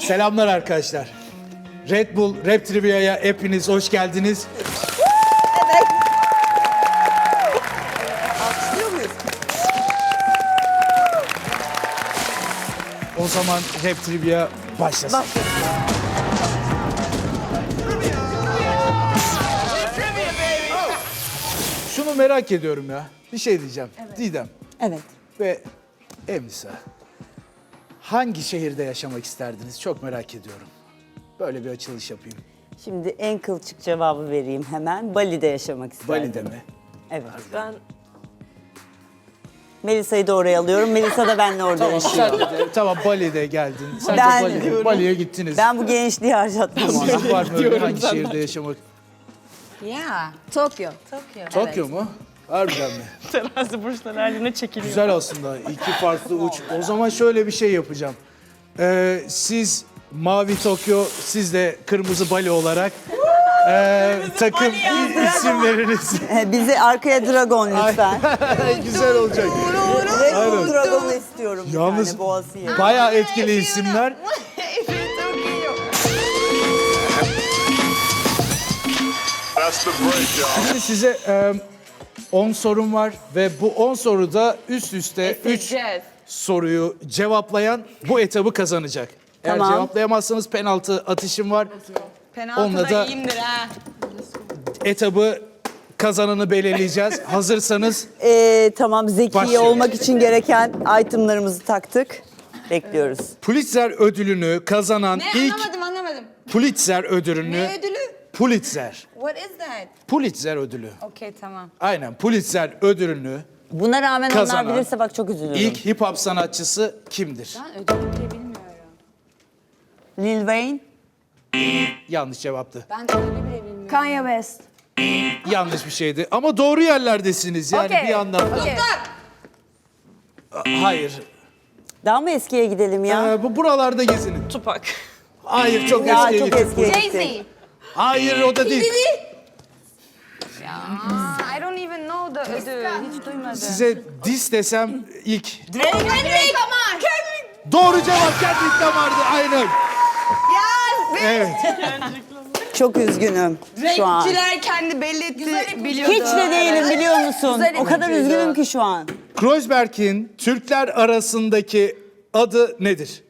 Selamlar arkadaşlar. Red Bull Rap Trivia'ya hepiniz hoş geldiniz. Evet. Alkışlıyor muyuz? O zaman Rap Trivia başlasın. Şunu merak ediyorum ya. Bir şey diyeceğim. Didem Evet. ve Emnisa. Hangi şehirde yaşamak isterdiniz? Çok merak ediyorum. Böyle bir açılış yapayım. Şimdi en kılçık cevabı vereyim hemen. Bali'de yaşamak isterdim. Bali'de mi? Evet. Ben Melisa'yı da oraya alıyorum. Melisa da benimle orada yaşıyor. Sen de, tamam Bali'de geldin. Sen Ben de diyorum. Bali'ye gittiniz. Ben bu gençliği harcatmam ona. Sizin var mı öyle hangi şehirde yaşamak? Yeah, Tokyo. Tokyo mu? Harbiden mi? terazi burçları haline çekiliyor. Güzel aslında. İki farklı uç. O zaman şöyle bir şey yapacağım. Siz Mavi Tokyo, siz de Kırmızı Bali olarak takım isimleriniz. Bizi arkaya dragon lütfen. Güzel olacak. Red Bull Dragon'u istiyorum bir Yalnız tane boğası bayağı etkili isimler. That's the break, y'all. Şimdi size 10 sorum var ve bu 10 soruda üst üste 3 soruyu cevaplayan bu etabı kazanacak. Eğer Tamam. cevaplayamazsanız penaltı atışım var. Onunla Penaltıda da- iyiyimdir ha. Etabı kazananı belirleyeceğiz. Hazırsanız Tamam, zeki Başlayalım. olmak için gereken itemlarımızı taktık. Bekliyoruz. Pulitzer ödülünü kazanan Ne ilk anlamadım. Pulitzer ödülünü Ne ödülü? Pulitzer. What is that? Pulitzer ödülü. Okey tamam. Aynen Pulitzer ödülünü Buna rağmen Kazanan onlar bilirse bak çok üzülürüm. ilk hip hop sanatçısı kimdir? Ben ödülü bile bilmiyorum. Lil Wayne. Yanlış cevaptı. Ben ödülü bile bilmiyorum. Kanye West. Yanlış bir şeydi. Ama doğru yerlerdesiniz yani Okey. bir yandan da. Okey. Hayır. Daha mı eskiye gidelim ya? Bu buralarda gezinin. Tupak. Hayır çok Ya eskiye çok gittin. eskiye gittik. Jay-Z. Hayır o da değil. I don't even know the ödül. Hiç duymadım. Size dis desem ilk. Kendrick Lamar. Doğru cevap Kendrick Lamar'dı aynen. Evet. Çok üzgünüm şu an. Renkçiler kendi belli etti biliyordu. Hiç de değilim biliyor musun? Güzel O kadar ipucuydu. üzgünüm ki şu an. Kreuzberg'in Türkler arasındaki adı nedir?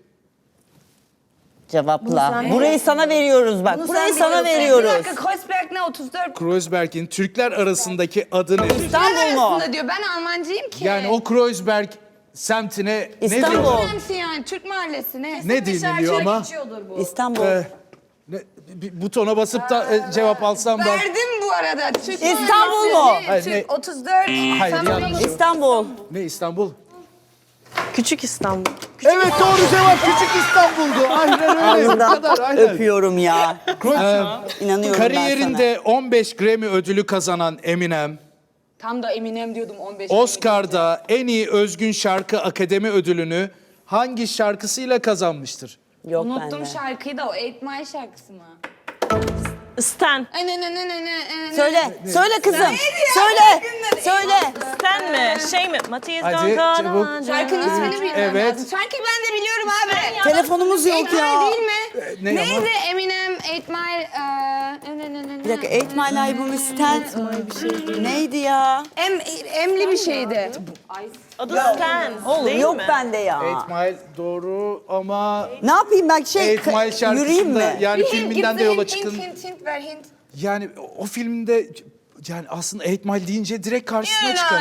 Cevapla. Burayı sana veriyoruz bak. Burayı sana Bir veriyoruz. dakika Kreuzberg ne 34? Kreuzberg'in Türkler arasındaki adı nedir? İstanbul mu? Arasında diyor. Ben Almancıyım ki. Yani o Kreuzberg semtine ne İstanbul. diyor? Neresi yani? Türk mahallesi ne? Ne deniliyor ama? İstanbul. Bir butona basıp da cevap alsam da. Verdim bu arada. Türk İstanbul mahallesi. mu? Ne? Hayır, Türk ne? 34. Hayır, Sen yanlış. bana- İstanbul. Ne İstanbul? Küçük İstanbul. Evet doğru cevap Küçük İstanbul'du. Aynen öyle. Bu Ağzından kadar aynen. öpüyorum ya. İnanıyorum ben Kariyerinde 15 Grammy ödülü kazanan Eminem, Tam da Eminem diyordum 15. Oscar'da en iyi özgün şarkı akademi ödülünü hangi şarkısıyla kazanmıştır? sana. Yok Unuttum bende. şarkıyı da o 8 Mile şarkısı mı? Stan. Söyle. Söyle kızım. Söyle. Söyle. Stan mi? Şey mi? Matthias Hadi, çabuk. Şarkının ismini bilmem Evet. lazım. Şarkıyı ben de biliyorum abi. Telefonumuz yok 8 Mile ya. değil mi? Ne ama? Neydi Eminem 8 Mile? Bir dakika 8 Mile albümü Stan. Neydi ya? Emli bir şeydi. Adı Stan. Oğlum değil yok mi? bende ya. 8 Mile doğru ama Ne yapayım ben 8 Mile yürüyeyim mi? şarkısında yani filminden de yola çıkın. Hint ver hint. Yani o filmde yani aslında 8 Mile deyince direkt karşısına çıkan.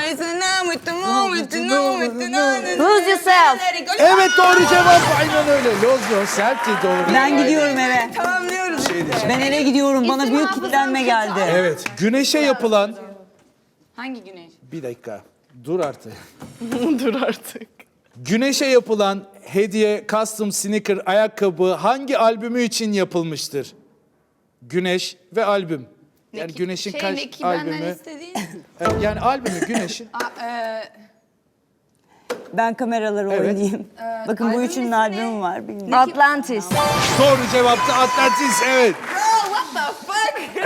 Lose yourself. Evet doğru cevap aynen öyle. Lose Yourself'ti doğru. Ben gidiyorum eve. Tamamlıyoruz. Ben eve gidiyorum. Bana İsim büyük hafızam kitlenme kötü. geldi. Evet güneşe yapılan Hangi güneş? bir dakika dur artık. Dur artık. Güneşe yapılan hediye custom sneaker ayakkabı hangi albümü için yapılmıştır? Güneş ve albüm. Yani Güneş'in kaç Neki benden albümü? istediğin. Yani albümü Güneş'in. Ben kameraları Evet. oynayayım. Bakın bu albümün üçünün ismi albümü var. Bilmiyorum. Atlantis. Doğru cevaptı Atlantis evet. What the fuck?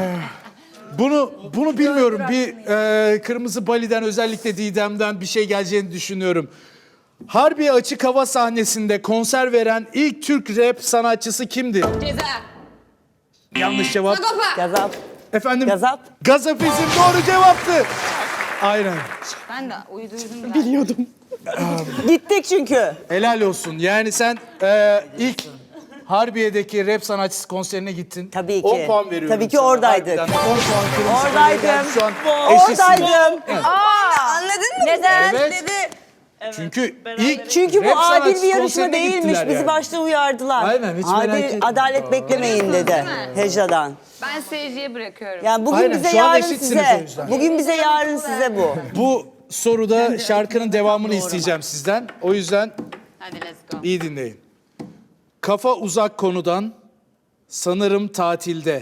Bunu bilmiyorum. Bir Kırmızı Bali'den özellikle Didem'den bir şey geleceğini düşünüyorum. Harbiye Açık Hava sahnesinde konser veren ilk Türk rap sanatçısı kimdir? Ceza. Yanlış cevap. Sagopa. Gazap. Efendim? Gazap. Gazapizm doğru cevaptı. Aynen. Ben de uyduydum. Gittik çünkü. Helal olsun. Yani sen ilk Harbiye'deki rap sanatçısı konserine gittin. Tabii ki. 10 puan veriyorum. Tabii ki sana. oradaydık. Harbiden 10 puan kırmızı Oradaydım. geldi. Şu an eşitsiniz. Oradaydım. Anladın mı? Neden? Evet. Dedi. Çünkü beraber. ilk Çünkü bu rap adil sanatçısı bir yarışma konserine değilmiş. gittiler Bizi yani. başta uyardılar. Aynen, hiç merak etme. Adalet beklemeyin dedi Heca'dan. Ben seyirciye bırakıyorum. Yani bugün Aynen, bize şu an yarın eşitsiniz size. o yüzden. Bugün bize yarın size bu. Bu soruda şarkının devamını isteyeceğim sizden. O yüzden Hadi let's go. iyi dinleyin. Kafa uzak konudan, sanırım tatilde.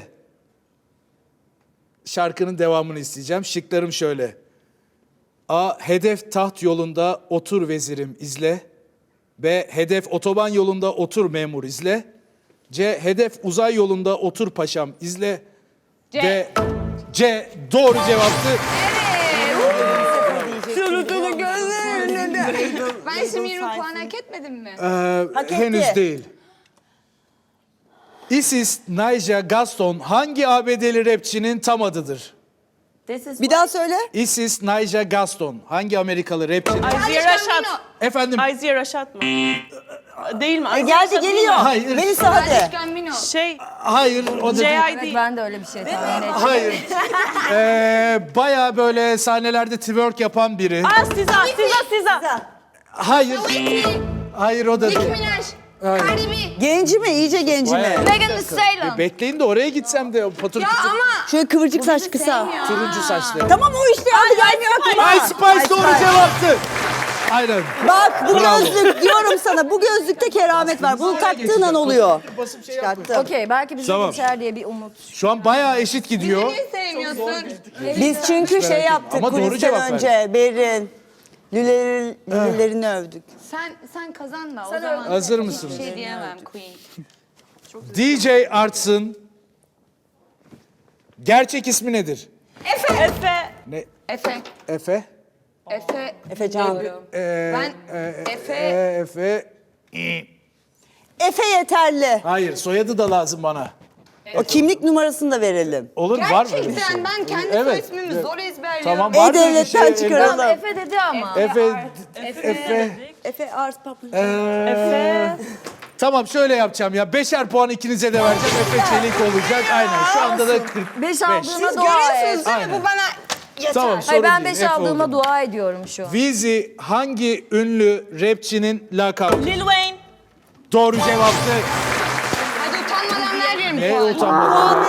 Şarkının devamını isteyeceğim. Şıklarım şöyle. A. Hedef taht yolunda otur vezirim izle. B. Hedef otoban yolunda otur memur izle. C. Hedef uzay yolunda otur paşam izle. D. C. Doğru cevaptı. Şurutunu gözlerine Ben şimdi 20 puan hak etmedim mi? Hak etti. Henüz değil. Isis Naija Gaston hangi ABD'li rapçinin tam adıdır? Bir daha söyle. Isis Naija Gaston hangi Amerikalı rapçinin? Ayziye Raşat. Efendim? Ayziye Raşat mı? Değil mi? Ayziye Geldi Raşat değil geliyor. mi? Hayır. Melisa hadi. Gambino. Şey, Hayır, o da değil. J.I.D. Ben de öyle bir şey tahmin ettim. Hayır. Bayağı böyle sahnelerde twerk yapan biri. Siza. Hayır. Hayır, o da Nicki değil. Minaj. Cardi B. Genci mi? İyice genci mi? Bayağı- Megan Thee Stallion. Bekleyin de oraya gitsem de o patır Ya kütür ama Şöyle kıvırcık saç kısa. turuncu saçlı. Tamam o işte adı gelmiyor aklıma. Ice Spice doğru Spice. cevaptı. Aynen. Bak bu Bravo. gözlük diyorum sana. Bu gözlükte keramet var. Bunu taktığın an oluyor. Basıp şey yapma. Çıkarttım. Okey belki bizi Tamam. geçer diye bir umut. Şu an bayağı eşit gidiyor. niye sevmiyorsun? Biz çünkü şey yaptık Ama doğru cevap kulisten önce. Berin. Lülelerini övdük. Sen kazan da o zaman. Hazır mısınız? Bir şey diyemem Queen. DJ Arts'ın gerçek ismi nedir? Efe. Ne? Efe. Efe? Efecan. Ben Efe. Efe. Efe yeterli. Hayır, soyadı da lazım bana. O kimlik numarasını da verelim. Olur, var mı öyle bir şey? Gerçekten ben kendi Evet. soy ismimi zor ezberliyorum. Tamam, var mı öyle bir şey? E-Devlet'ten çıkaralım. Tamam Efe dedi ama. Efe. Efe Ars Papın. Efe. Tamam, şöyle yapacağım ya. 5'er puan ikinize de vereceğim. Efe Çelik olacak. Aynen. Şu anda da 45. 5 aldığıma Siz dua et. görüyorsunuz değil mi? Bu bana yeter. Tamam, sorun Hayır ben değil. 5 Efe aldığıma oldu. dua ediyorum şu an. Weezy hangi ünlü rapçinin lakabı? Lil Wayne. Doğru cevaptı. Hadi utanmadan veririm Ne puanı. utanmadım.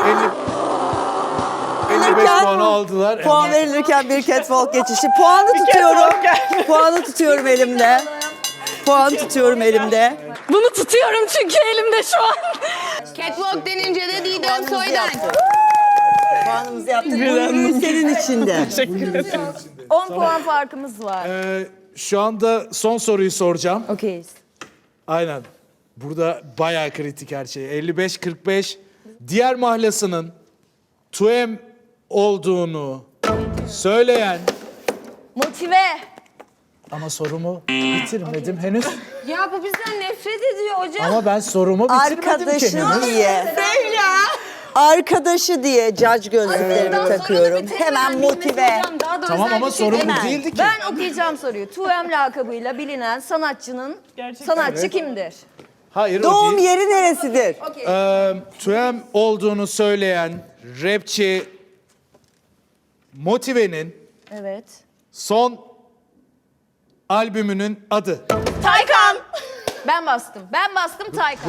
55 puanı aldılar. Puan verilirken bir catwalk geçişi. Puanı tutuyorum. Puanı tutuyorum elimde. Puan tutuyorum elimde. Bunu tutuyorum çünkü elimde şu an. Catwalk denince de Didem Puanımızı Soydan. yaptık. Puanımızı yaptık. Bu ürün senin içinde. 10 puan farkımız var. Şu anda son soruyu soracağım. Okeyiz. Aynen. Burada bayağı kritik her şey. 55-45. Diğer mahlasının Tuem olduğunu söyleyen... Motive. Ama sorumu bitirmedim henüz. Ya bu bizden nefret ediyor hocam. Ama ben sorumu bitirmedim ki Arkadaşı henüz. diye. Sevla. Arkadaşı diye judge gözlüklerimi takıyorum. Hemen motive. Tamam ama sorum bu Hemen. değildi ki. Ben okuyacağım soruyu. 2M lakabıyla bilinen sanatçının sanatçı kimdir? Hayır, o Doğum değil. yeri neresidir? Tuem olduğunu söyleyen rapçi Motive'nin Evet. son albümünün adı. Taycan. Ben bastım. Ben bastım Taycan.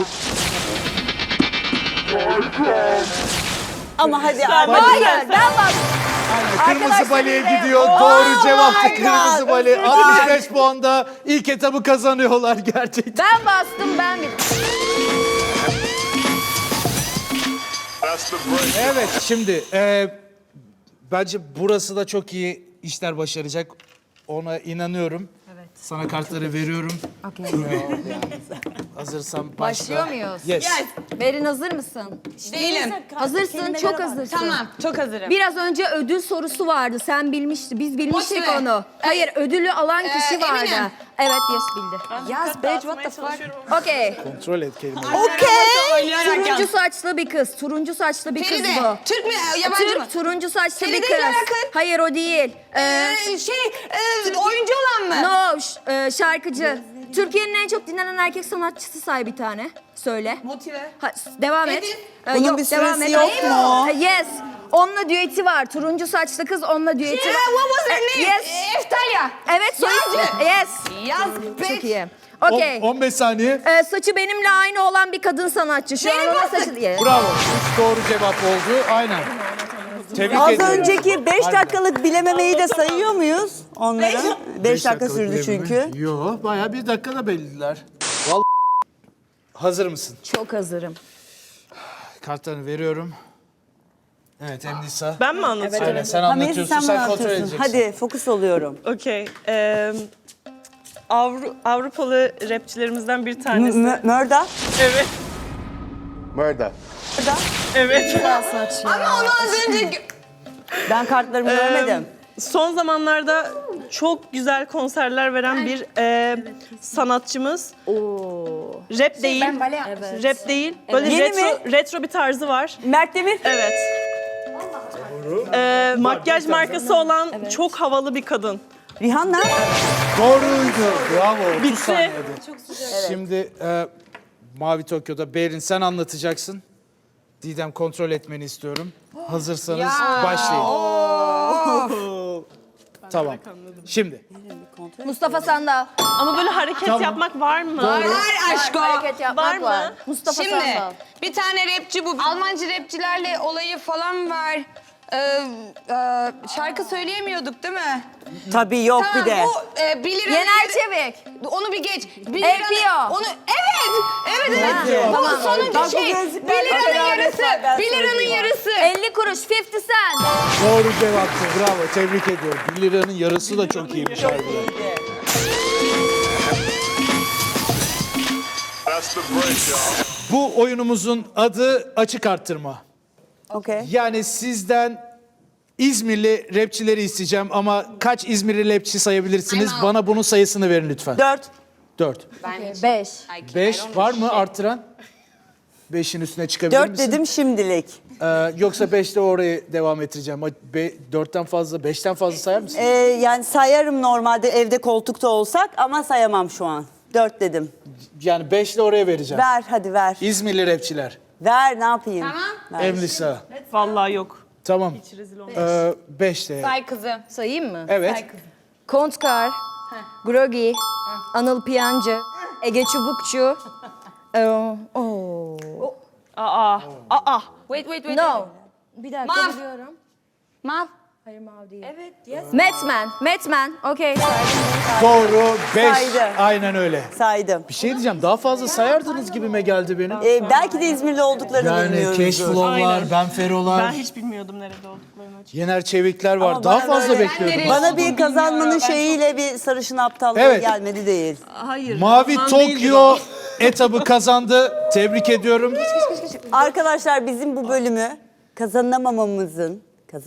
Ama hadi Hayır ben bastım. Kırmızı Arkadaşlar Bali'ye bize- gidiyor. Oh Doğru my cevaptı God. Kırmızı Bali. Özür dilerim. 65 puanda ilk etabı kazanıyorlar gerçekten. Ben bastım ben bittim. That's the break. Evet, şimdi bence burası da çok iyi işler başaracak. Ona inanıyorum. Evet. Sana kartları veriyorum. Okey. Hazırsan başla. Başlıyor muyuz? Yes. Berin hazır mısın? Değilim. Hazırsın, çok hazırsın. Tamam, çok hazırım. Biraz önce ödül sorusu vardı. Sen bilmiştin. Biz bilmiştik Motive. onu. Hayır, ödülü alan kişi vardı. eminim. Evet, yes bildi. Yaz bitch, what the fuck? Okey. Kontrol et kelimeyi. Turuncu saçlı bir kız. Turuncu saçlı bir kız Feride, bu. Türk mü, yabancı mı? Türk, turuncu saçlı bir Feride kız. ile yakın. Hayır, o değil. Oyuncu olan mı? No, şarkıcı. Türkiye'nin en çok dinlenen erkek sanatçısı say bir tane. Söyle. Motive. Devam et. Edin. Bunun bir süresi yok mu? Yes. Onunla düeti var. Turuncu saçlı kız onunla düeti var. What was her name? Yes. Eftalya. Evet, soy ismi. Yes. Yaz Çok bitch. iyi. Okey. 15 saniye. Saçı benimle aynı olan bir kadın sanatçı. Şu an Benim ona bastık. saçı diye. Bravo. 3 doğru cevap oldu. Aynen. Tebrik Az ediyorum. önceki 5 dakikalık bilememeyi de sayıyor muyuz onları? 5 dakika sürdü çünkü. Yok, bayağı 1 dakikada belliler. Vallahi hazır mısın? Çok hazırım. Kartlarını veriyorum. Evet Emnisa. Ben mi anlatıyorum? Aynen sen Hamiyeti anlatıyorsun, sen bana sen kontrol anlatıyorsun. edeceksin. Hadi fokus oluyorum. Okey. Avrupalı rapçilerimizden bir tanesi. Mörda. Evet. Murder. Evet. Ama onu az önce... Ben kartlarımı görmedim. Son zamanlarda çok güzel konserler veren bir sanatçımız. Rap değil. Rap değil. Böyle Yeni retro bir tarzı var. Mert Demir. Evet. Makyaj markası olan çok havalı bir kadın. Rihanna. Doğruydu. Bravo. 30 Bitti. saniyede. Şimdi Mavi Tokyo'da Berin sen anlatacaksın. Didem kontrol etmeni istiyorum. Hazırsanız başlayın. Tamam. Şimdi. Mustafa Sandal. Ama böyle hareket yapmak var mı? Var aşko. Hareket yapmak Var mı? var. Mustafa Şimdi Sandal. bir tane rapçi bu. Almancı rapçilerle olayı falan var. Şarkı söyleyemiyorduk değil mi? Tabii yok bir de. Bu Bilir Yener Çevik. Onu bir geç. APO. Onu evet. Bu sonuncu Bak bu şey. gözlükler 1 liranın beraber yarısı. ben 1 liranın söyleyeyim. yarısı. 50 kuruş 50 cent. Doğru cevaptı. Bravo. Tebrik ediyorum. 1 liranın yarısı da çok iyiymiş harbiden. That's the break, y'all. Bu oyunumuzun adı açık arttırma. Okey. Yani sizden İzmirli rapçileri isteyeceğim ama kaç İzmirli rapçi sayabilirsiniz? Aynen. Bana bunun sayısını verin lütfen. 4. 4. 5. 5 var mı arttıran? 5'in üstüne çıkabilir 4 misin? dedim şimdilik. Yoksa 5'te oraya devam ettireceğim. 4'ten fazla, 5'ten fazla sayar mısın? Yani sayarım normalde evde koltukta olsak ama sayamam şu an. 4 dedim. Yani 5'le oraya vereceğim. Ver hadi ver. İzmirli rapçiler. Ver ne yapayım? Tamam. Ver. Emlisa. Vallahi yok. Tamam. Rezil olmuş. 5'te. Say kızım. Sayayım mı? Evet. Kontkar, Grogi, Anıl Piyancı, Ege Çubukçu. Aa. Wait. No. Bir dakika Mav. biliyorum. Mav. Hayır Mav değil. Evet, yes. Metman. Okey. Doğru. 5. Saydı. Aynen öyle. Saydım. Bir şey diyeceğim. Daha fazla sayardınız gibime geldi benim. Belki de İzmirli olduklarını Yani bilmiyoruz. Cashflow'lar, Aynen. Benfero'lar, Ben hiç bilmiyordum nerede olduklarını açıkçası. Yener Çevikler var. Ama Daha bana fazla böyle- bekliyordum. Ben Bana olduğunu bir kazanmanın bilmiyorum. Ben şeyiyle bir sarışın aptallığı Evet. gelmedi değil. Hayır. Mavi ondan değildir Tokyo o. etabı kazandı. Tebrik ediyorum. Arkadaşlar bizim bu bölümü kazanamamanın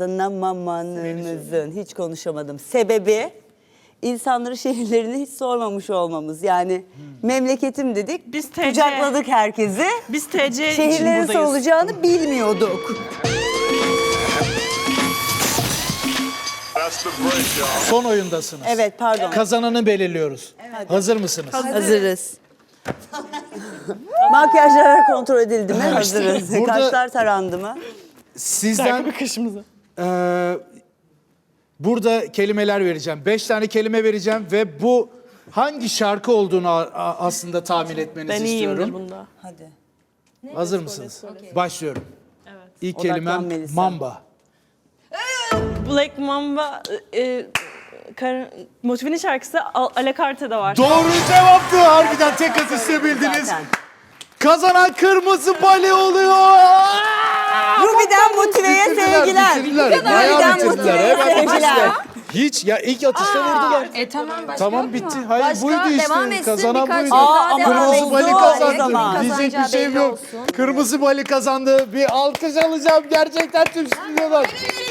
hiç konuşamadım. Sebebi insanları şehirlerini hiç sormamış olmamız. Yani memleketim dedik, Biz TC. kucakladık herkesi. Biz TC için Şehirlerin buradayız. olacağını bilmiyorduk. That's the break, y'all. Son oyundasınız. Evet pardon. Kazananı belirliyoruz. Hazır mısınız? Hazırız. Makyajlar kontrol edildi mi? Hazırız. Burada- Kaşlar tarandı mı? Sizden Bir kaşımıza. burada kelimeler vereceğim. 5 tane kelime vereceğim ve bu hangi şarkı olduğunu aslında tahmin etmenizi Ben iyiyimdir istiyorum. bunda. Hadi. Hazır mısınız? Başlıyorum. İlk Odaklan kelimem Melisa. Mamba. Black Mamba Motive'nin şarkısı Alacarte'de var. Doğru cevaptı. Harbiden tek asiste bildiniz. Zaten. Kazanan kırmızı bale oluyor. Ruby'den Motive'ye Bitirdiler, sevgiler. bitirdiler. Bayağı Ruby'den bitirdiler. Motive'ye Hemen sevgiler. bitirdiler. Hiç ya ilk atışta vurdular. Tamam başka Tamam yok bitti. mu? Hayır Başka buydu işte. devam etsin, Kazanan birkaç buydu. tur daha ama devam Kırmızı etsin. Bali oldu o kazandı. zaman. Diyecek bir Kazanacağı şeyim belli yok. olsun. Kırmızı Bali kazandı. Bir alkış alacağım gerçekten tüm stüdyodan.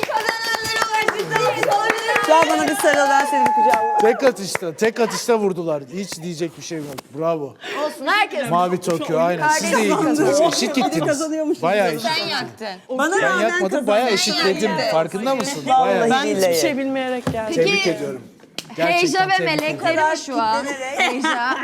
Gel bana bir sarıl, ben seni bir kucağıma. Tek atışta vurdular. Hiç diyecek bir şeyim yok. Bravo. Olsun herkes. Mavi Tokyo aynen. Siz de iyi gittiniz. Eşit gittiniz. Kazanıyormuşuz. Bayağı eşit. Sen yaktın. Bana Ben rağmen yakmadım. kazandı. Bayağı eşitledim. Farkında mısın? Vallahi Bayağı. Ben hiçbir billahi. şey bilmeyerek geldim. Tebrik ediyorum. Gerçekten Heyeca ve tebrik ediyorum. meleklerim şu an. Heyeca.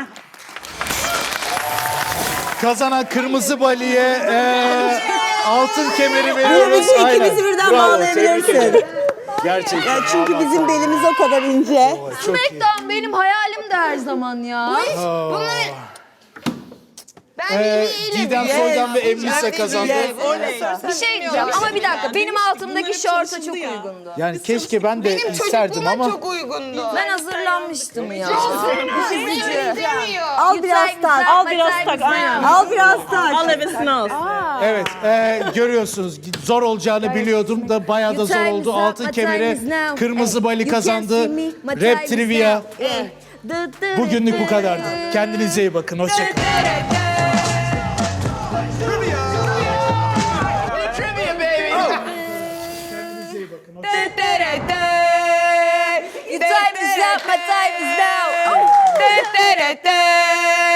Kazanan Kırmızı Bali'ye altın kemeri Bu veriyoruz. bizi Aynen. ikimizi birden Bravo, tebrik bağlayabilirsin. ederim. Gerçekten. Ya çünkü bizim belimiz o kadar ince. Çok iyi. Smackdown benim hayalim de her zaman ya. Ben Didem Soydan ve Emlisa kazandı. Bir şey diyeceğim ama bir dakika. Benim altımdaki şorta çok uygundu. Yani keşke ben de benim isterdim çocukluğuma ama çok uygundu. Ben hazırlanmıştım ya. Demiyor. Al biraz tak. Al biraz tak, aynen. Al biraz tak. Al hevesini al. evet görüyorsunuz zor olacağını biliyordum da bayağı da zor oldu. Altın kemeri Kırmızı Bali kazandı. Rap Trivia bugünlük bu kadardı. Kendinize iyi bakın. Hoşçakalın. Your time is up, my time is now.